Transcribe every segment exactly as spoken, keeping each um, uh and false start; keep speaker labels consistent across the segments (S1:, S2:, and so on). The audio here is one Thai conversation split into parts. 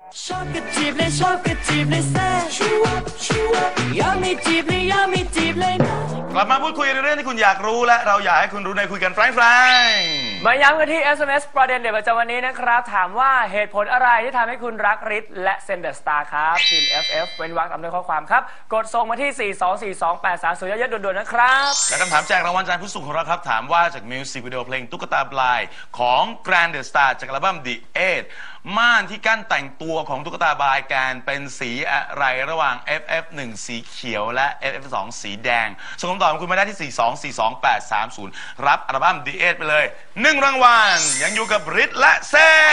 S1: ชอบก็จีบเลยชอบก็จีบเลยแซ่ชูวับชูวับอยากไม่จีบเลยอยากไม่จีบเลยนะ
S2: กลับมาพูดคุยในเรื่องที่คุณอยากรู้และเราอยากให้คุณรู้ในคุยกันแฟรงๆ
S3: มาย้ำกันที่ เอส เอ็ม เอส ประเด็นเด็ดประจำวันนี้นะครับถามว่าเหตุผลอะไรที่ทำให้คุณรักฤทธิ์และเซนเดอร์สตาร์ครับทีม เอฟ เอฟ เว้นวรรคตามด้วยข้อความครับกดส่งมาที่สี่ สอง สี่ สอง แปด สาม ศูนย์ เยอะๆด่วนๆนะครับ
S2: และคำถามแจกรางวัลจากผู้ส่งของเราครับถามว่าจากมิวสิกวิดีโอเพลงตุ๊กตาปลายของ Grand The Star จากอัลบั้ม The Eight ม่านที่กั้นแต่งตัวของตุ๊กตาบายแกนเป็นสีอะไรระหว่าง เอฟ เอฟ หนึ่ง สีเขียวและ เอฟ เอฟ สอง สีแดงส่งคำตอบของคุณมาได้ที่สี่ สอง สี่ สอง แปด สาม ศูนย์รับอัลบั้ม The Eight ไปเลยหนึ่งรางวัลยังอยู่กับฤทธิ์และเซน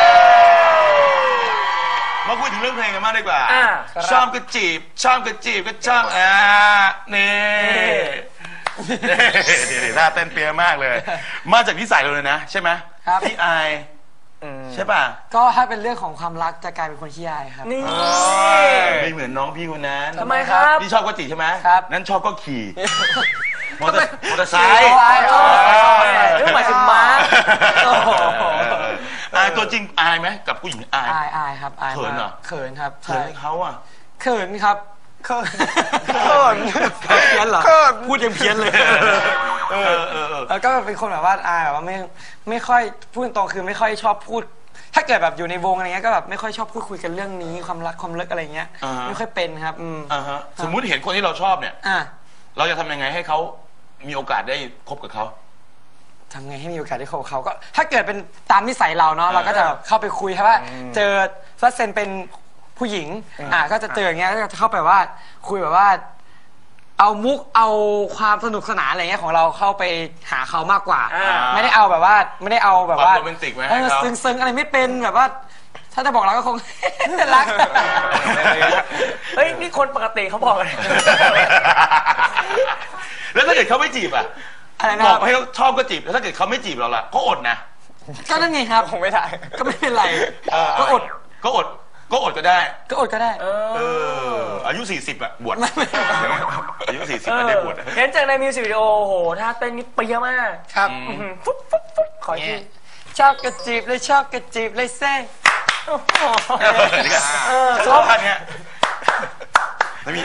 S2: มาคุยถึงเรื่องเพลงกันมากดีกว่าชอบก็จีบชอบก็จีบก็ชอบอ่านี่นี่ท่าเต้นเปียมากเลยมาจากนิสัยเราเลยนะใช่ไหม
S4: ครับ
S2: พี่อายใช่ป่ะ
S4: ก็ถ้าเป็นเรื่องของความรักจะกลายเป็นคนขี้อายครับ
S3: นี่
S2: ไม่เหมือนน้องพี่คนนั้น
S3: ทำไมครับ
S2: พี่ชอบก็จีบใช่ไหม
S4: ครับ
S2: นั้นชอบก็ขี่มอเตอร์มอเตอร์ไซค์
S3: เรื่องหมายถึงม้า
S2: อายตัวจริงอายไหมกับผู้หญิงอาย
S4: อายอายครับอาย
S2: เขินเหรอ
S4: เขินครับ
S2: เขินเขาอ่ะ
S4: เขินครับเขินเขินเพี้ยนเหรอพูดยังเพี้ยนเลยแล้วก็เป็นคนแบบว่าอายแบบว่าไม่ไม่ค่อยพูดตรงคือไม่ค่อยชอบพูดถ้าเกิดแบบอยู่ในวงอะไรเงี้ยก็แบบไม่ค่อยชอบพูดคุยกันเรื่องนี้ความรักความลึกอะไรเงี้ยไม่ค่อยเป็นครับ
S2: สมมุติเห็นคนที่เราชอบเนี่ยเราจะทำยังไงให้เขามีโอกาสได้คบกับเขา
S4: ทำไงให้มีโอกาสได้คบกับเขาก็ถ้าเกิดเป็นตามนิสัยเราเนาะเราก็จะเข้าไปคุยครับว่าเจอฟัสเซนเป็นผู้หญิงอ่าก็จะเจออย่างเงี้ยก็จะเข้าไปว่าคุยแบบว่าเอามุกเอาความสนุกสนานอะไรเงี้ยของเราเข้าไปหาเขามากกว่าไม่ได้เอาแบบว่าไม่ได้เอาแบบว่า
S2: โรแมนติกไหมให้เขา
S4: ซึ้งๆอะไรไม่เป็นแบบว่าถ้าจะบอกเราก็คงรัก
S3: เฮ้ยนี่คนปกติเขาบอกเลย
S2: แล้วถ้าเกิดเขาไม่จีบอ่ะบอกให้เขาชอบก็จีบแล้วถ้าเกิดเขาไม่จีบเราล่ะก็อดนะ
S4: ก็นั่นไงครับ
S3: คงไม่ได้
S4: ก็ไม่เป็นไรก็อด
S2: ก็อดก็อดก็ได้
S4: ก็อดก็ได้
S2: เอออายุสี่สิบอะบวชอายุสี่สิบไม่ได้บวช
S3: เห็นจากในมิวสิกวิดีโอโหถ้าเต้นนี่เปียมาก
S4: ครับ
S3: ฟุ๊บฟุ๊บฟุ๊บขอที่
S4: ชอบกระจีบเลยชอบกระจีบเลยแซ่
S2: ชอบท่านี้ไม่มี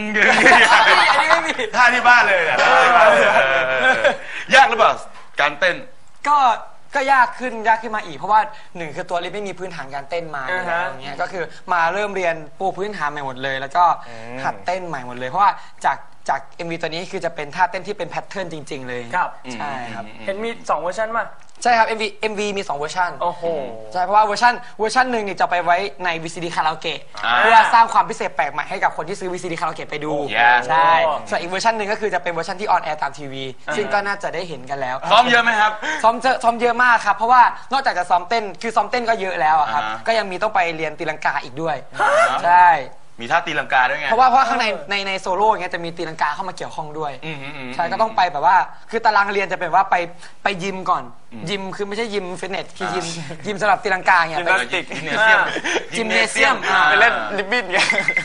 S2: ท่าที่บ้านเลยอะยากหรือเปล่าการเต้น
S4: ก็ก็ยากขึ้นยากขึ้นมาอีกเพราะว่าหนึ่งคือตัวลิฟไม่มีพื้นฐานการเต้นมาอย่างเงี้ยก็คือมาเริ่มเรียนปูพื้นฐานใหม่หมดเลยแล้วก็หัดเต้นใหม่หมดเลยเพราะว่าจากจาก เอ็ม วี ตัวนี้คือจะเป็นท่าเต้นที่เป็นแพทเทิร์นจริงๆเลย
S3: ครับ
S4: ใช่ครับ
S3: เห็นมีสองเวอร์ชันป่ะ
S4: ใช่ครับ เอ็ม วี เอ็ม วี มีสองเวอร์ชัน
S3: โอ้โห
S4: ใช่เพราะว่าเวอร์ชันเวอร์ชันหนึ่งนี่จะไปไว้ใน วี ซี ดี คาราโอเกะเพื่อสร้างความพิเศษแปลกใหม่ให้กับคนที่ซื้อ วี ซี ดี คาราโอเกะไปดูใช่ส่วนอีกเวอร์ชันหนึ่งก็คือจะเป็นเวอร์ชันที่ออนแอร์ตามทีวีซึ่งก็น่าจะได้เห็นกันแล้ว
S2: ซ้อมเยอะไหมครับ
S4: ซ้อมเยอะซ้อมเยอะมากครับเพราะว่านอกจากจะซ้อมเต้นคือซ้อมเต้นก็เยอะแล้วครับก็ยังมีต้องไปเรียนตีลังกาอีกด้วยใช่
S2: มีท่าตีลังกาด้วยไง
S4: เพราะว่าเพราะข้างในในในโซโล่อย่างเงี้ยจะมีตีลังกาเข้ามาเกี่ยวข้องด้วยใช่ก็ต้องไปแบบว่าคือตารางเรียนจะเป็นว่าไปไปยิมก่อนยิมคือไม่ใช่ยิมฟิตเนสคือยิมยิมสำหรับตีลังกาเงี้ย
S2: ไปยิมเนเซียม
S4: ยิมเนเซียม
S3: ไปเล่นลิบบิ้นไง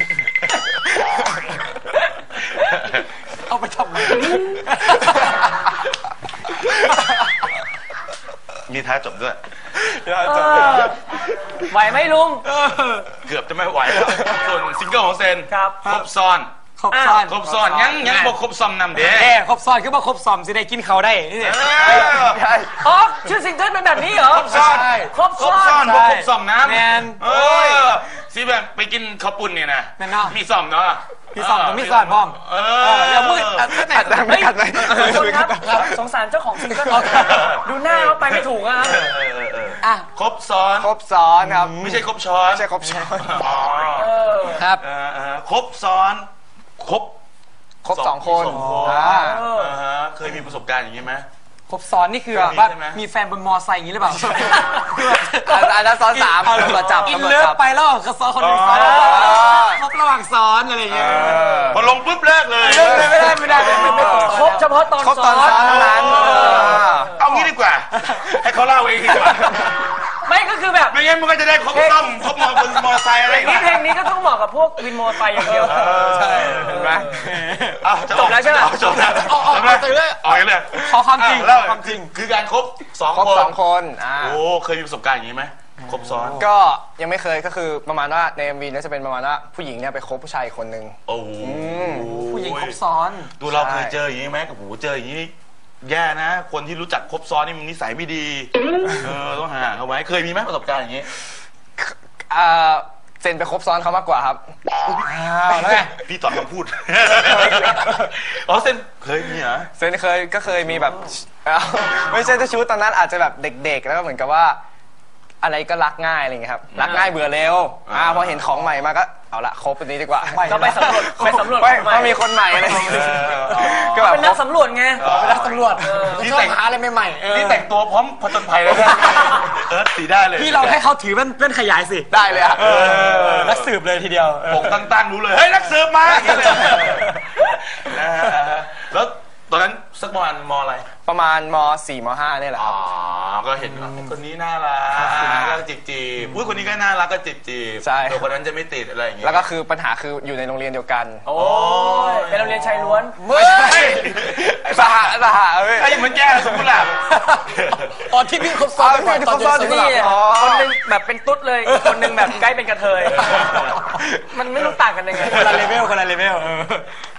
S4: เอาไปทำไม
S2: มีท้ายจบด้วย
S3: ไหวไหมลุง
S2: เกือบจะไม่ไหวแล้วส่วนซิงเกิลของเซน
S3: ครับ
S2: ครบซ้อน
S4: ครบซ้อน
S2: ครบซ้อนยังยังบอกครบซ้อมนำเด้
S4: ครบซ้อนคือว่าครบซ้อมสิได้กินเขาได้นี่
S3: อ๋อชื่อซิงเกิลเป็นแบบนี้เหรอ
S2: ครบซ้อน
S3: ครบซ้อน
S2: บอกครบซ้อมน้ำ
S4: แมน
S2: เออสิแบบไปกินข้าวปุ้นเนี่ยนะมีซ้อมเนาะ
S4: พี่ซ้อมกับพี่ซ้อมพร้อม
S2: เออ
S4: อย่ามืด
S3: อัดไม่กัดเลยครับสงสารเจ้าของซิงเกิลดูหน้าเขาไปไม่ถูกอะ
S4: อ่ะ
S2: ครบซ้อน
S4: ครบซ้อนครับ
S2: ไม่ใช่ครบช้อน
S4: ไม่ใช่ครบช้อนครับ
S2: ครบซ้อนครบ
S4: ครบสองคน
S2: เคยมีประสบการณ์อย่างนี้ไหม
S4: ครบซ้อนนี่คือว่ามีแฟนบนมอไซค์อย่างนี้หรือเปล่า
S3: อันนั้นซ้อนสาม
S4: ตำรวจจับอินเลิฟไปแล้วก็ซ้อนคนหนึ่งซ้อนครบระหว่างซ้อนอะไรอย่างเงี้ย
S2: พอลงปุ๊บเลิกเลย
S4: ไม่ได้ไม่ได้ไม่ได้
S3: ครบเฉพาะตอน
S4: ซ้อนเท่านั้น
S2: เอางี้ดีกว่าให้เขาเล่าเองดีกว่า
S3: ไม่ก็คือแบบ
S2: ไม่งั้นมันก็จะได้ครบต้อมครบมอเตอร์มอไซค์อะไร
S3: นี่เพลงนี้ก็ต้องเหมาะกับพวกวินมอไซค์อย่างเดียว
S2: ใช่เห็นไหม
S3: จบแล้วใช่ไหม
S2: จบแล้ว
S4: ออกออกเลย
S2: ออกเลย
S4: ขอความจริง
S2: ความจริงคือการครบสองคน
S4: สองคน
S2: โอ้เคยมีประสบการณ์อย่างนี้ไหมครบซ้อน
S5: ก็ยังไม่เคยก็คือประมาณว่าใน เอ็ม วี เนี่ยจะเป็นประมาณว่าผู้หญิงเนี่ยไปคบผู้ชายอีกคนนึง
S2: โอ้โห
S4: ผู้หญิงครบซ้อน
S2: ตัวเราเคยเจออย่างนี้ไหมกับหูเจออย่างนี้แย่นะ คนที่รู้จักครบซ้อนนี่มันนิสัยไม่ดีเออต้องห่างเขาไว้เคยมีไหมประสบการณ์อย่างนี้
S5: อ่าเซนไปคบซ้อนเขามากกว่าครับ
S2: แล้วไงพี่ตอบคำพูดอ๋อเซนเคยมีเหรอ
S5: เซนเคยก็เคยมีแบบเอ้าไม่ใช่จะชู้ตอนนั้นอาจจะแบบเด็กๆแล้วก็เหมือนกับว่า อะไรก็รักง่ายอะไรอย่างเงี้ยครับรักง่ายเบื่อเร็วอ่าพอเห็นของใหม่มาก็เอาละคบอันนี้ดีกว่า
S3: ก็ไปสำรวจไปสำรวจ
S5: ไม่เพราะมีคนใหม่อะไรก็แบบ
S3: เป็นนักสำรวจไง
S4: เป็นนักตำรวจ
S2: ที่
S4: ชอบ
S2: แต่ง
S4: หาอะไรใหม่ๆเออ
S2: นี่แต่งตัวพร้อมผจญภัยเลยนะเออสีได้เลย
S4: พี่เราให้เขาถือเป็นเป็นขยายสิ
S5: ได้เลยอะ
S4: เออนักสืบเลยทีเดียว
S2: ปกตั้งๆรู้เลยเฮ้ยนักสืบมาอย่างนี้เลยนะฮะแล้วตอนนั้นสักประมาณมอะไร
S5: ประมาณมสี่มห้าเนี่ยแหละ
S2: อ๋อก็เห็นว่าคนนี้น่ารักก็จีบจีบอุ้ยคนนี้ก็น่ารักก็จีบจีบ
S5: ใช่
S2: แต่คนนั้นจะไม่ติดอะไรอย่างเงี้ย
S5: แล้วก็คือปัญหาคืออยู่ในโรงเรียนเดียวกัน
S3: โอ้ยเป็นโรงเรียนชายล้วน
S5: ไม่ใช่สหสหเว้ย
S2: ไอ้เหมือนแก้สมมุติแหละ
S4: อ๋อที่พี่ครบซ้อน
S5: อ๋อที่ครบซ้อน
S4: ต
S3: นี่
S4: เย็
S5: อ๋อ
S3: คนหนึงแบบเป็นตุ๊ดเลยอีกคนหนึงแบบใกล้เป็นกระเทย มันไม่รู้ต่างกันยังไง
S4: คนละเลเวลคนละเลเวลเออ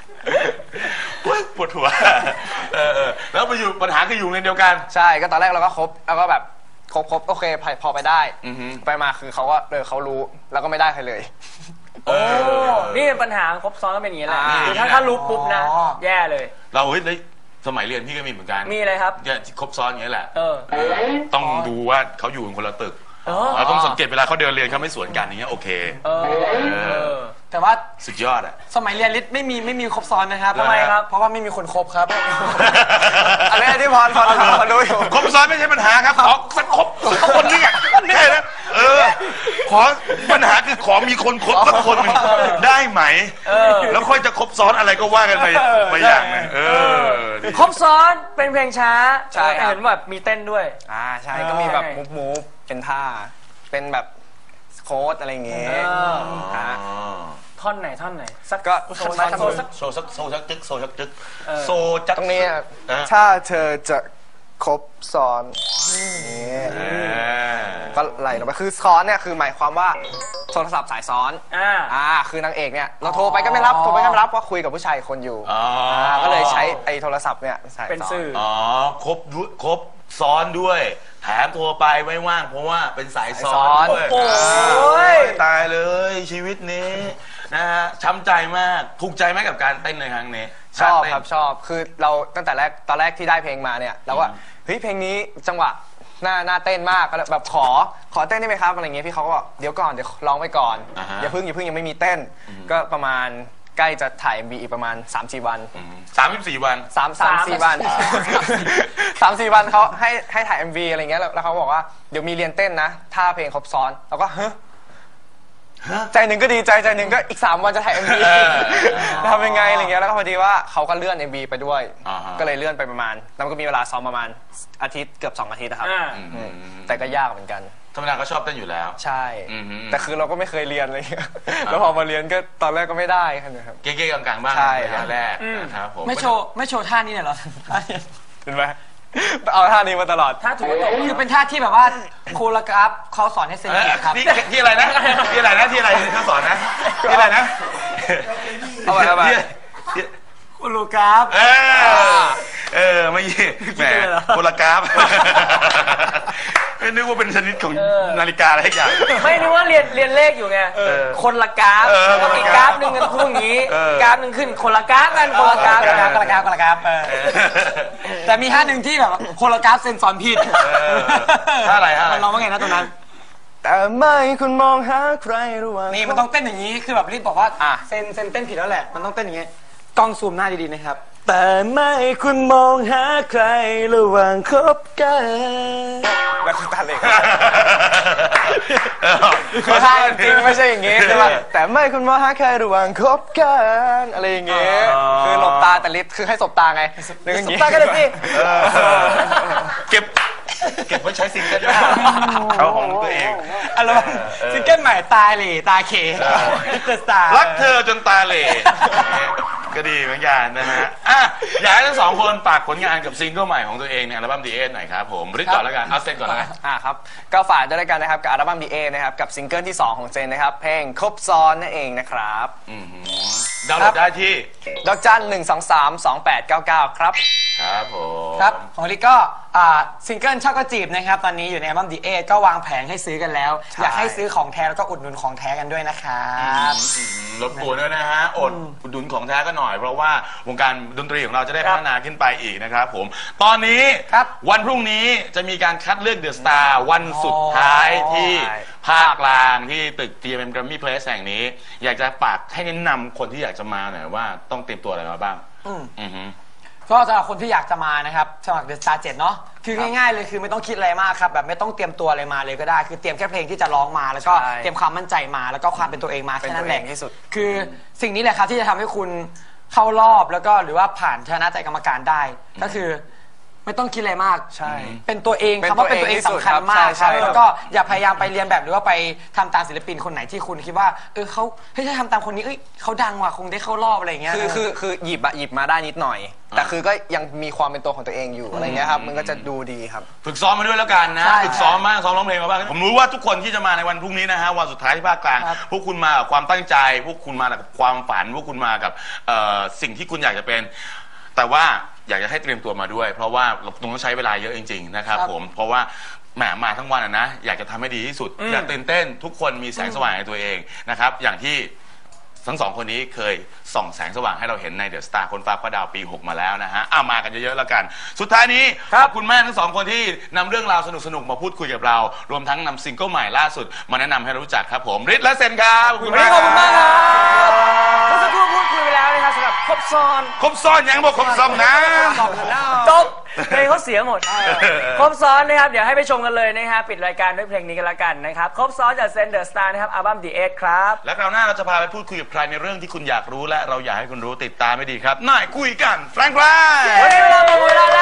S2: ปวดหัวเออเออแล้วไปอยู่ปัญหาคืออยู่โรงเรียนเดียวกัน
S5: ใช่ก็ตอนแรกเราก็คบแล้วก็แบบคบคบโอเคพอไปได้
S2: อือฮึ
S5: ไปมาคือเขาก็เออเขารู้แล้วก็ไม่ได้ใครเลย
S3: โอ้ นี่เป็นปัญหาครบซ้อนก็เป็นอย่างนี้แหละ
S5: อ่า
S3: คือถ้าถ้ารู้ปุ๊บนะ
S4: อ๋อ
S3: แย่เลย
S2: เราเฮ้ยในสมัยเรียนพี่ก็มีเหมือนกัน
S3: มีอะไรครับ
S2: เนี่ยที่ครบซ้อนอย่างนี้ยแหละ
S3: เออ
S2: ต้องดูว่าเขาอยู่กันคนละตึก
S3: เออ
S2: เราต้องสังเกตเวลาเขาเดินเรียนเขาไม่สวนกันอย่างเงี้ยโอเค
S3: เออเออ
S4: แต่ว่า
S2: สุดยอดอ่ะ
S4: สมัยเรียนลิศไม่มีไม่มีครบซ้อนนะครับ
S2: ทำไมครับ
S4: เพราะว่าไม่มีคนครบครับ
S5: อะไรที่พรพรพรรู้อยู่
S2: ครบซ้อนไม่ใช่ปัญหาครับขอสักครบสักคนนึงอ่ะนี่นะเออขอปัญหาคือขอมีคนครบสักคนหนึ่งได้ไหม
S3: เออ
S2: แล้วค่อยจะครบซ้อนอะไรก็ว่ากันไปไปอย่างหนึงเออดี
S3: ครบซ้อนเป็นเพลงช้า
S5: ใช่ครับ
S3: เห็นแบบมีเต้นด้วย
S5: อ่าใช่ก็มีแบบมูฟมูฟเป็นท่าเป็นแบบโค้ดอะไรอย่างเงี้ย
S3: เออ
S5: อ่า
S2: อ๋อ
S3: ท่อนไหนท่อนไหน สัก
S5: ก็
S3: โซสักโซสัก
S2: โซซักโซซักจึกโซซักจึก
S3: เออ
S2: โซจัก
S5: ตรงนี้
S2: เออ
S5: ถ้าเธอจะครบซ้อนนี่
S2: เออ
S5: ก็ไหลลงไปคือซ้อนเนี่ยคือหมายความว่าโทรศัพท์สายซ้อน
S3: อ่า
S5: อ่าคือนางเอกเนี่ยเราโทรไปก็ไม่รับโทรไปก็ไม่รับเพราะคุยกับผู้ชายอีกคนอยู่
S2: อ๋อ
S5: อ่าก็เลยใช้ไอ้โทรศัพท์เนี่ยสาย
S3: เป็น
S5: ซ้อน
S3: สื่อ
S2: อ๋อครบด้วยครบซ้อนด้วยแถมโทรไปไม่ว่างเพราะว่าเป็นสายซ้อนด้วย
S3: โอ้โห
S2: โอ้ยตายเลยชีวิตนี้นะฮะช้ำใจมากถูกใจไหมกับการเต้นในครั้งนี้
S5: ชอบ
S2: เต้น
S5: ครับชอบคือเราตั้งแต่แรกตอนแรกที่ได้เพลงมาเนี่ยเราก็เฮ้ยเพลงนี้จังหวะน่าน่าเต้นมากก็เลยแบบขอขอเต้นได้ไหมครับอะไรเงี้ยพี่เขาก็บอกเดี๋ยวก่อนเดี๋ยวร้องไปก่อน
S2: อ่าฮะ
S5: อย่าเพิ่งอย่าเพิ่งยังไม่มีเต้น ก็ประมาณใกล้จะถ่าย เอ็ม วี อีกประมาณ สามสี่ วัน
S2: สามสิบสี่วัน
S5: สามสามสี่วันสามสี่วันเขาให้ให้ถ่าย เอ็ม วี อะไรเงี้ยแล้วแล้วเขาบอกว่าเดี๋ยวมีเรียนเต้นนะถ้าเพลงครบซ้อนแล้วก็เฮ้ยใจหนึ่งก็ดีใจใจหนึ่งก็อีกสามวันจะถ่าย เอ็ม วี
S2: เออ
S5: ทำยังไงอะไรเงี้ยแล้วก็พอดีว่าเขาก็เลื่อน เอ็ม วี ไปด้วย
S2: อ่าฮะ
S5: ก็เลยเลื่อนไปประมาณแล้วมันก็มีเวลาซ้อมประมาณอาทิตย์เกือบสองอาทิตย์นะครับ
S3: อ่า
S5: อืมแต่ก็ยากเหมือนกัน
S2: ธรรมดาก็ชอบเต้นอยู่แล้ว
S5: ใช่
S2: อือฮึ
S5: แต่คือเราก็ไม่เคยเรียนอะไรเงี้ยแล้วพอมาเรียนก็ตอนแรกก็ไม่ได้ครับ
S2: เก๊ๆกลางๆบ้าง
S5: ใช่
S2: ระ
S5: ครั
S2: ยะ
S5: บ
S2: แรกนะครับผม
S4: ไม่โชว์ไม่โชว์ท่านี้เนี่ยเหรอ
S5: เห็นไหมเอาท่านี้มาตลอด
S3: ถ้าถูกตก
S4: คือเป็นท่าที่แบบว่าโคโรกราฟเขาสอนให้เซน
S2: เอ้ย
S4: เกตครับ
S2: ที่ที่อะไรนะที่อะไรนะที่อะไรเขาสอนนะที่อะไรนะ
S5: เอาไปเอาไป
S2: ที่ที่
S4: โคโรกราฟ
S2: เออเออไม่ยี่แหมโพลากราฟไม่นึกว่าเป็นชนิดของนาฬิกาอะไรอย่าง
S3: ไม่นึกว่าเรียนเรียนเลขอยู่ไง คนละกราฟ
S2: เออ
S3: แล้วก็อีกกราฟหนึ่งกันพูดอย่างนี้
S2: เออ
S3: กราฟหนึ่งขึ้นคนละกราฟกันคนละกราฟ
S4: โคโรกราฟโคโรกราฟโคโรกราฟเออแต่มีท่าหนึ่งที่แบบโคโรกราฟเซนสอนผิด
S2: ท่าอะไรท่าอะไร
S4: มันร้องว่าไงนะตรงนั้น
S5: แต่ไม่คุณมองหาใครระหว่าง
S4: นี่มันต้องเต้นอย่างนี้ คือแบบรีบบอกว่า
S5: อ่ะ
S4: เซนเซนเต้นผิดแล้วแหละ มันต้องเต้นอย่างนี้ กล้องซูมหน้าดีๆนะครับ แต่ไม่คุณมองหาใครระหว่างคบกัน
S5: แล้วคือตาเหล็กคือท่าจริงไม่ใช่อย่างงี้ใช่ป่ะแต่ไม่คุณมองหาใครระหว่างคบกันอะไรอย่างเงี้ยคือหลบตาแต่ลิฟคือให้สบตาไงนึกอย่างงี้
S4: สบตากันเลยสิ
S2: เออเก็บเก็บไว้ใช้ซิงเกิลหน้าเอาของตัวเอง
S4: อะไรวะซิงเกิลใหม่ตาเหล่ตาเขเดอะสตาร์
S2: รักเธอจนตาเหล่ก็ดีเหมือนกันนะฮะอ่ะอยากให้ทั้งสองคนฝากผลงานกับซิงเกิลใหม่ของตัวเองในอัลบั้ม The Eight หน่อยครับผมริดก่อนแล้วกันเอาเซนก่อนแล้วกัน
S5: อ่าครับก็ฝากด้วยแล้วกันนะครับกับอัลบั้ม ดี เอ นะครับกับซิงเกิลที่สองของเจนนะครับเพลงครบซ้อนนั่นเองนะครับ
S2: อือหือดาวน์โหลดได้ที่
S5: ดอกจันหนึ่งสองสามสองแปดเก้าเก้าครับ
S2: ครับผม
S4: ครับของลิกก็อ่าซิงเกิลชอบก็จีบนะครับตอนนี้อยู่ในอัลบั้ม ดี เอ ก็วางแผงให้ซื้อกันแล้ว
S5: ใช่
S4: อยากให้ซื้อของแท้แล้วก็อุดหนุนของแท้กันด้วยนะครับ
S2: อืมรบกวนด้วยนะฮะอดอุดหนุนของแท้ก็หน่อยเพราะว่าวงการดนตรีของเราจะได้พัฒนาขึ้นไปอีกนะครับผมตอนนี้
S4: ครับ
S2: วันพรุ่งนี้จะมีการคัดเลือกเดอะสตาร์วันสุดท้ายที่ภาคกลางที่ตึก ที เอ็ม Grammy Place แห่งนี้ อยากจะฝากให้แนะนำคนที่อยากจะมาหน่อยว่าต้องเตรียมตัวอะไรมาบ้าง
S4: อืม
S2: อือฮึ
S4: ก็สำหรับคนที่อยากจะมานะครับสมัคร The Star เจ็ดเนาะคือง่ายๆเลยคือไม่ต้องคิดอะไรมากครับแบบไม่ต้องเตรียมตัวอะไรมาเลยก็ได้ คือเตรียมแค่เพลงที่จะร้องมาแล้วก็
S5: ใช่
S4: เตรียมความมั่นใจมาแล้วก็ความเป็นตัวเองมา
S5: เป็น
S4: แค่
S5: ตั
S4: นั้
S5: วน
S4: แห
S5: เอ
S4: ละ
S5: งที่สุด
S4: คือสิ่งนี้แหละครับที่จะทำให้คุณเข้ารอบแล้วก็หรือว่าผ่านชนะใจกรรมการได้ ก็คือไม่ต้องคิดอะไรมาก
S5: ใช่
S4: เป็นตัวเอง
S5: เป็น
S4: คำว่าเป็นตัวเอง
S5: ตัวเองที่สุด
S4: สำคัญมาก
S5: ใช่
S4: ครับ
S5: ใช่
S4: แล้วก็อย่าพยายามไปเรียนแบบหรือว่าไปทำตามศิลปินคนไหนที่คุณคิดว่าเออเขาเฮ้ยถ้าทำตามคนนี้เอ้ยเขาดังว่ะคงได้เข้ารอบอะไรอย่างเงี้ย
S5: คือคือคือหยิบอะหยิบมาได้นิดหน่อย แต่คือก็ยังมีความเป็นตัวของตัวเองอยู่อะไรเงี้ยครับมันก็จะดูดีครับ
S2: ฝึกซ้อมมาด้วยแล้วกันนะ
S4: ใช่
S2: ฝึกซ้อมมากซ้อมร้องเพลงมาบ้างผมรู้ว่าทุกคนที่จะมาในวันพรุ่งนี้นะฮะวันสุดท้ายที่ภาคกลาง
S4: ครับ
S2: พวกคุณมากับความตั้งใจ พวกคุณมากับความฝัน พวกคุณมากับเอ่อสิ่งที่คุณอยากจะเป็น แต่ว่าอยากจะให้เตรียมตัวมาด้วย เพราะว่าเราต้องใช้เวลาเยอะจริงๆนะครับผมเพราะว่าแหมมาทั้งวันอะนะอยากจะทำให้ดีที่สุดอยากตื่นเต้นทุกคนมีแสงสว่างในตัวเองนะครับอย่างที่ทั้งสองคนนี้เคยส่องแสงสว่างให้เราเห็นในเดอะสตาร์คนฟ้าพระดาวปีหกมาแล้วนะฮะเอามากันเยอะๆแล้วกัน สุดท้ายนี้ขอบคุณมากทั้งสองคนที่นำเรื่องราวสนุกๆมาพูดคุยกับเรา รวมทั้งนำซิงเกิลใหม่ล่าสุดมาแนะนำให้เรารู้จักครับผมฤทธิ์และเซนครับขอบคุณมาก
S3: ขอบคุณมากครับเมื่อสักครู่พูดคุยไปแล้วนะครับสำหรับครบซ้อน
S2: ครบซ้อนยังบอกครบซ้อนนะ
S3: จบเพลงเขาเสียหมด ครบซ้อนนะครับเดี๋ยวให้ไปชมกันเลยนะครับปิดรายการด้วยเพลงนี้กันละกันนะครับครบซ้อนจากเซนเดอร์สตาร์นะครับอัลบั้ม The Eight ครับ
S2: และคราวหน้าเราจะพาไปพูดคุยกับใครในเรื่องที่คุณอยากรู้และเราอยากให้คุณรู้ติดตามไม่ดีครับน่ายคุยกันแฟรงค์แฟรงค์
S3: วันนี้เวลาหมดเวลาแล้ว